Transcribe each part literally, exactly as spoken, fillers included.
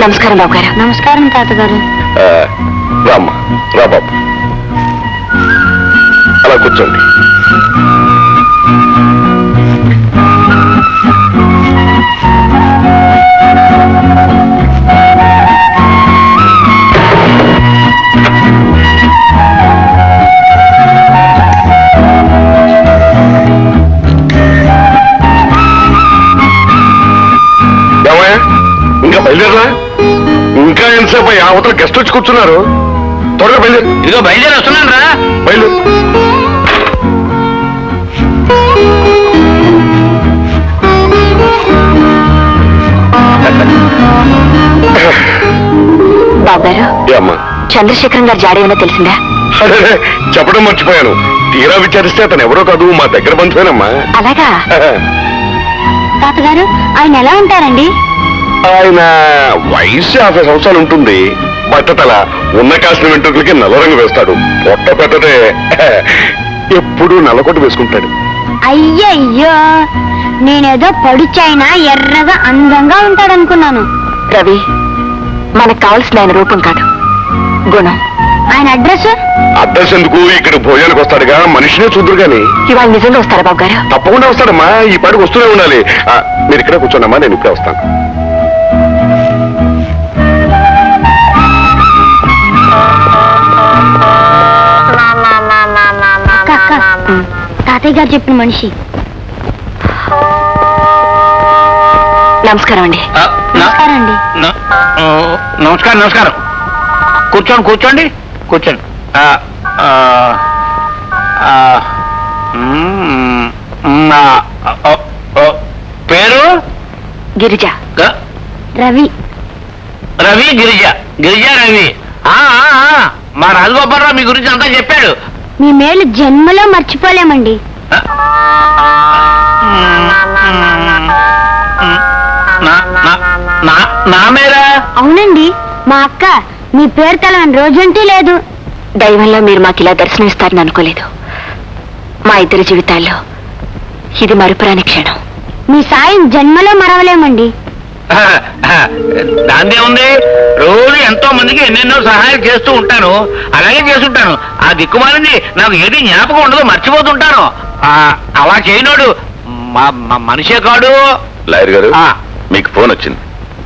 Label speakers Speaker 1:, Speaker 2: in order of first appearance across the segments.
Speaker 1: నమస్కారం బాబు గారు.
Speaker 2: నమస్కారం తాతగారు.
Speaker 3: రామ్మా, రా బాబు, అలా కూర్చోండి. ఇంకా బయలుదేరరా? ఇంకా ఎంతసేపు అవతల గెస్ట్ వచ్చి కూర్చున్నారు. త్వరగా బయలుదేరు.
Speaker 4: ఇదిగో బయలుదేరి వస్తున్నాను రా.
Speaker 3: బయలుదేరు.
Speaker 1: బాబు గారు,
Speaker 3: అమ్మా,
Speaker 1: చంద్రశేఖరం గారు జాడ ఏమైనా తెలిసిందా?
Speaker 3: అదే చెప్పడం మర్చిపోయాను. తీరా విచారిస్తే అతను ఎవరో కాదు, మా దగ్గర బంధువేనమ్మా.
Speaker 1: అలాగా?
Speaker 2: తాతగారు, ఆయన ఎలా ఉంటారండి?
Speaker 3: ఆయన వయసు యాభై సంవత్సరాలు ఉంటుంది. బట్టతల, ఉన్న కాసిన వెంట్రుకలకి నల్ల రంగు వేస్తాడు. పొట్ట పెట్టదే ఎప్పుడు నల్లకొట్టు వేసుకుంటాడు.
Speaker 2: అయ్యయ్యో, నేనేదో పడిచైనా ఎర్రగా అందంగా ఉంటాడనుకున్నాను.
Speaker 1: రవి, మనకు కావాల్సిన ఆయన రూపం కాదు, గుణం.
Speaker 2: ఆయన అడ్రస్?
Speaker 3: అడ్రస్ ఎందుకు, ఇక్కడ భోజనానికి వస్తాడుగా, మనిషినే చూద్దరు గాని.
Speaker 1: ఇవాళ నిజంగా వస్తారా బాబు గారు?
Speaker 3: తప్పకుండా వస్తాడమ్మా, ఈ పాటికి వస్తూనే ఉండాలి. మీరు ఇక్కడే కూర్చోండమ్మా, నేను ఇప్పుడే వస్తాను.
Speaker 2: తాతయ్య గారు చెప్పిన మనిషి.
Speaker 1: నమస్కారం అండి.
Speaker 2: నమస్కారం అండి.
Speaker 4: నమస్కారం నమస్కారం. కూర్చోండి కూర్చోండి కూర్చోండి. పేరు?
Speaker 1: గిరిజ.
Speaker 2: రవి.
Speaker 4: రవి గిరిజ. గిరిజ రవి. మా రాజగోపాలరావు మీ గురించి అంతా చెప్పాడు.
Speaker 2: మీ మేలు జన్మలో మర్చిపోలేమండి.
Speaker 4: నా మేరా?
Speaker 2: అవునండి, మా అక్క మీ పేరు తెలవని రోజంటూ లేదు.
Speaker 1: దైవంలో మీరు మాకు ఇలా దర్శనమిస్తారని అనుకోలేదు. మా ఇద్దరి జీవితాల్లో ఇది మరుపురాని క్షణం.
Speaker 2: మీ సాయం జన్మలో మరవలేమండి.
Speaker 4: దాందే ఉంది, రోజు ఎంతో మందికి ఎన్నెన్నో సహాయం చేస్తూ ఉంటాను. అలాగే చేస్తుంటాను. ఆ దిక్కుమాలింది నాకు ఏది జ్ఞాపకం ఉండదు, మర్చిపోతుంటాను. అలా చేయనోడు మనిషే కాడు.
Speaker 3: లాయర్ గారు, మీకు ఫోన్ వచ్చింది.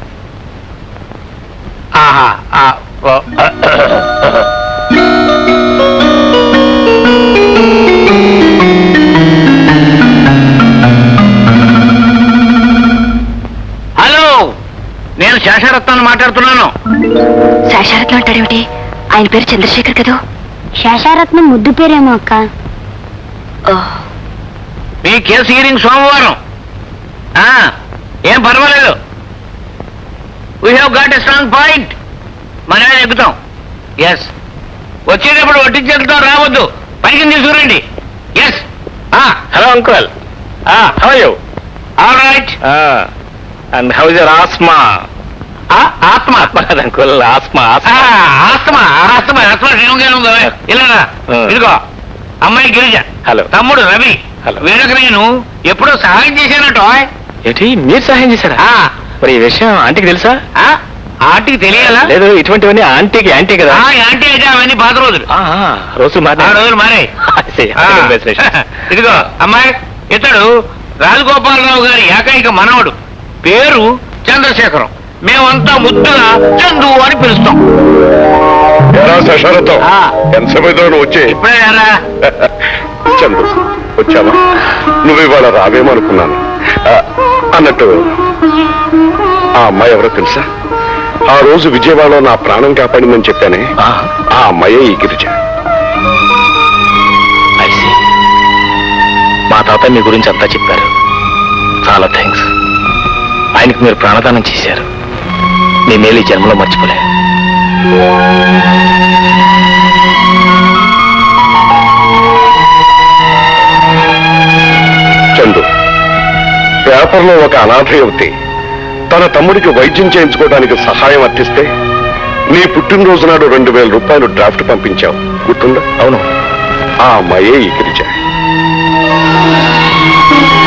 Speaker 4: హలో, నేను శేషరత్నాన్ని మాట్లాడుతున్నాను.
Speaker 1: శేషరత్నం అంటాడేమిటి? ఆయన పేరు చంద్రశేఖర్ కదా.
Speaker 2: శేషరత్నం ముద్దు పేరేమో అక్క.
Speaker 4: మీ కేసు హీరింగ్ సోమవారం. ఏం పర్వాలేదు. We have got a strong point. మన ఎక్కుతాం. ఎస్, వచ్చేటప్పుడు వడ్డించేతో రావద్దు, పైకి తీసుకురండి. Yes.
Speaker 3: Hello uncle, how are you?
Speaker 4: All right.
Speaker 3: And how is your asthma?
Speaker 4: ఆత్మ
Speaker 3: uncle, asthma
Speaker 4: asthma asthma asthma ఉందో ఇలా. ఇదిగో అమ్మాయి గిరిజ.
Speaker 3: హలో.
Speaker 4: తమ్ముడు రవి. వీళ్ళకి నేను ఎప్పుడో సహాయం చేశానటో.
Speaker 3: ఏంటి, మీరు సహాయం చేశారా? మరి ఈ విషయం ఆంటీకి తెలుసా?
Speaker 4: ఆంటీకి తెలియాలా?
Speaker 3: లేదు, ఇటువంటివన్నీ ఆంటీకి యాంటీ కదా.
Speaker 4: యాంటీ అయితే అవన్నీ పాత రోజులు.
Speaker 3: రోజులు మారే
Speaker 4: రోజులు మారే. ఇదిగో అమ్మాయి, ఇతడు రాజగోపాలరావు గారి ఏకైక మనవడు. పేరు చంద్రశేఖరం. మేమంతా ముద్దుగా చందు అని పిలుస్తాం.
Speaker 3: ఎంతసేపు వచ్చే?
Speaker 4: ఇప్పుడే రా.
Speaker 3: చందు, వచ్చావా? నువ్వు ఇవాళ రావేమనుకున్నాను. అన్నట్టు ఆ అమ్మాయి ఎవరో తెలుసా? ఆ రోజు విజయవాడలో నా ప్రాణం కాపాడిందని చెప్పానే, ఆ అమ్మాయే ఈ గిరిజ.
Speaker 5: మా తాత మీ గురించి అంతా చెప్పారు. చాలా థ్యాంక్స్. ఆయనకు మీరు ప్రాణదానం చేశారు. మీ మేలు జన్మలో మర్చిపోలే.
Speaker 3: చందు, పేపర్లో ఒక అనాథ యువతి తన తమ్ముడికి వైద్యం చేయించుకోవడానికి సహాయం అర్థిస్తే నీ పుట్టినరోజు నాడు రెండు వేల రూపాయలు డ్రాఫ్ట్ పంపించావు, గుర్తుందా?
Speaker 5: అవును.
Speaker 3: ఆ అమ్మాయే ఈ Girija.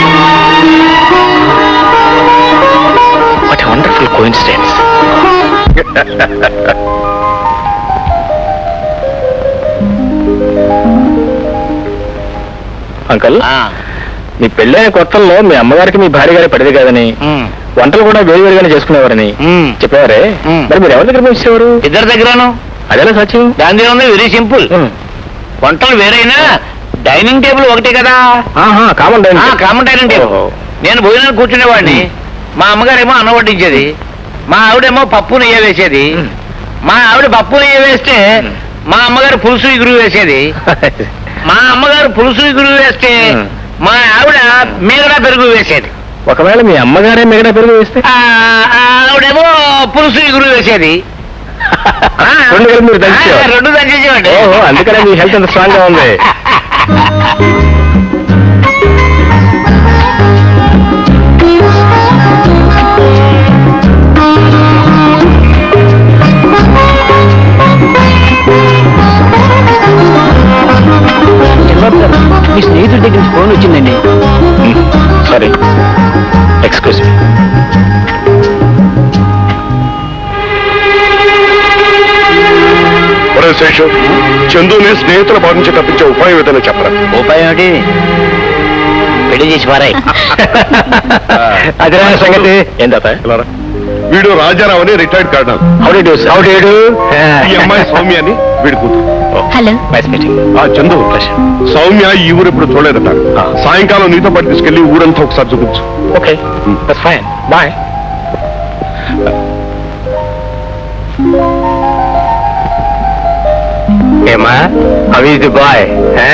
Speaker 5: What a wonderful coincidence. Uncle,
Speaker 4: ఆ,
Speaker 5: మీ పెళ్ళైన కొత్తల్లో మీ అమ్మగారికి మీ భార్య గారి పడేది కాదని,
Speaker 4: ఉమ్,
Speaker 5: వంటలు కూడా వేరువేరుగానే చేసుకునేవారని
Speaker 4: ఉమ్.
Speaker 5: చెప్పేవారే.
Speaker 4: ఉమ్.
Speaker 5: మరి మీరు ఎవరి దగ్గర పంపించేవారు?
Speaker 4: ఇద్దరి దగ్గరను.
Speaker 5: అదేలా సత్యం?
Speaker 4: దాని ఉంది వెరీ సింపుల్. వంటలు వేరైనా డైనింగ్ టేబుల్ ఒకటే కదా.
Speaker 5: కామన్
Speaker 4: ఆ, కామన్ డైనింగ్ టేబుల్. నేను భోజనాలు కూర్చునేవాడిని. మా అమ్మగారేమో అన్నం వడ్డించేది, మా ఆవిడేమో పప్పు నెయ్యి వేసేది. మా ఆవిడ పప్పు నెయ్యి వేస్తే మా అమ్మగారు పులుసు ఇగురు వేసేది. మా అమ్మగారు పులుసు ఇగురు వేస్తే మా ఆవిడ మీగడ పెరుగు వేసేది.
Speaker 5: ఒకవేళ మీ అమ్మగారే మిగతా పెరుగు వేస్తే
Speaker 4: ఆ, ఆవిడేమో పులుసు ఇగురు వేసేది. ఆ,
Speaker 5: రెండు కలిపి మీరు దంచేవారు.
Speaker 4: ఆ, రెండు దంచేసేవాడి.
Speaker 5: ఓహో, అందుకనే మీ హెల్త్ అంత స్ట్రాంగ్ గా ఉంది.
Speaker 6: మీ స్నేహితుడి దగ్గర నుంచి ఫోన్ వచ్చిందండి.
Speaker 5: Sorry, excuse me.
Speaker 3: ఒరే శేషు, చందుని స్నేహితుల బాధ నుంచి తప్పించే ఉపాయం ఏదైనా చెప్పరా?
Speaker 4: ఉపాయం ఏమిటి? పెళ్లి చేసి పారాయి.
Speaker 5: అదే సంగతి. ఏం తాత?
Speaker 3: ఇలా రా. వీడు రాజారావు అని retired colonel.
Speaker 5: Howdy do howdy do.
Speaker 3: ఈ అమ్మాయి సౌమ్య అని వీడి కూతురు.
Speaker 2: హలో.
Speaker 5: Nice meeting.
Speaker 3: ఆ చందు, సౌమ్య ఈ ఊరు ఇప్పుడు చూడలేదట. సాయంకాలం నీతో పాటు తీసుకెళ్లి ఊరంతా ఒకసారి చూపించు.
Speaker 5: Okay, that's fine. బాయ్. ఏమా, హౌ ఈజ్ ది బాయ్?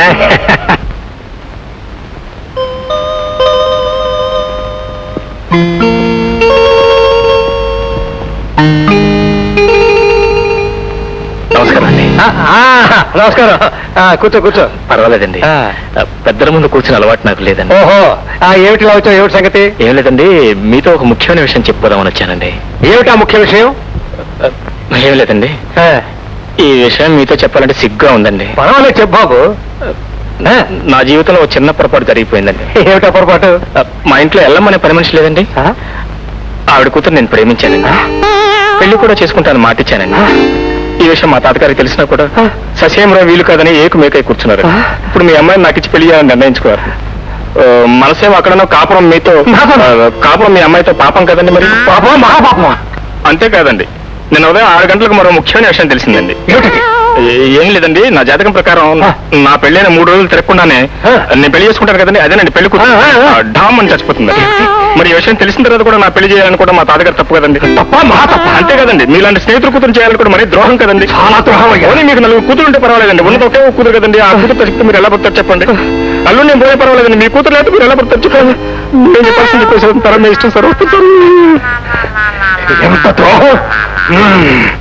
Speaker 5: నమస్కారం అండి.
Speaker 6: నమస్కారం. ఆ, కూర్చో కూర్చో.
Speaker 5: పర్వాలేదండి.
Speaker 6: ఆ.
Speaker 5: పెద్దల ముందు కూర్చుని అలవాటు నాకు లేదండి.
Speaker 6: ఓహో, ఆ, ఏమిటి ఇలా వచ్చావు? ఏమిటి సంగతి?
Speaker 5: ఏం లేదండి, మీతో ఒక ముఖ్యమైన విషయం చెప్పుకోదామని వచ్చానండి.
Speaker 6: ఏమిటా ముఖ్య విషయం?
Speaker 5: ఏం లేదండి,
Speaker 6: ఆ,
Speaker 5: ఈ విషయం మీతో చెప్పాలంటే సిగ్గుగా ఉందండి.
Speaker 6: పర్వాలేదు చెప్పు బాబు. ఆ,
Speaker 5: నా జీవితంలో ఒక చిన్న పొరపాటు జరిగిపోయిందండి.
Speaker 6: ఏమిటా పొరపాటు?
Speaker 5: మా ఇంట్లో ఎల్లమ్మనే పని మనిషి లేదండి.
Speaker 6: ఆ,
Speaker 5: ఆవిడ కూతురు నేను ప్రేమించానండి. పెళ్లి కూడా చేసుకుంటాను మాటిచ్చానండి. ఈ విషయం మా తాతగారికి తెలిసినా కూడా ససేమరా వీలు కాదని ఏకు మేకై కూర్చున్నారు. ఇప్పుడు మీ అమ్మాయిని నాకు ఇచ్చి పెళ్లి చేయాలని నిర్ణయించుకున్నారు. ఆ, మనసేమో అక్కడనో కాపురం మీతో, ఆ, కాపురం మీ అమ్మాయితో పాపం కదండి. మరి
Speaker 6: పాపమా మహాపాపమా?
Speaker 5: అంతేకాదండి, నిన్న ఉదయం ఆరు గంటలకు మరో ముఖ్యమైన విషయం తెలిసిందండి.
Speaker 6: ఏమిటి?
Speaker 5: ఏ- ఏం లేదండి, నా జాతకం ప్రకారం నా పెళ్ళైన మూడు రోజులు తిరగకుండానే నేను పెళ్లి చేసుకుంటాను కదండి, అదేనండి పెళ్లి కూతురు డామ్ అని చచ్చిపోతుంది. మరి ఈ విషయం తెలిసిన తర్వాత కూడా నా పెళ్లి చేయాలని కూడా మా తాతగారు తప్పు కదండి.
Speaker 6: తప్ప మహా తప్ప.
Speaker 5: అంతే కదండి, మీలాంటి స్నేహితులు కూతురు చేయాలని కూడా మరీ ద్రోహం కదండి.
Speaker 6: చాలా ద్రోహం అయ్యా.
Speaker 5: పోనీ మీకు నలుగురు కూతురు ఉంటే పర్వాలేదండి, ఉన్నది ఒకే ఒక కూతురు కదండి. ఆ కూతురు చెప్తే మీరు ఎలా పడతారు చెప్పండి. అల్లు నేను పోయే పర్వాలేదండి, మీ కూతురు లేకపోతే మీరు ఎలా పడతారు చెప్పండి. నేను చెప్పాల్సింది చెప్పేసి తరం మీ ఇష్టం సార్.
Speaker 6: ఎంత ద్రోహం!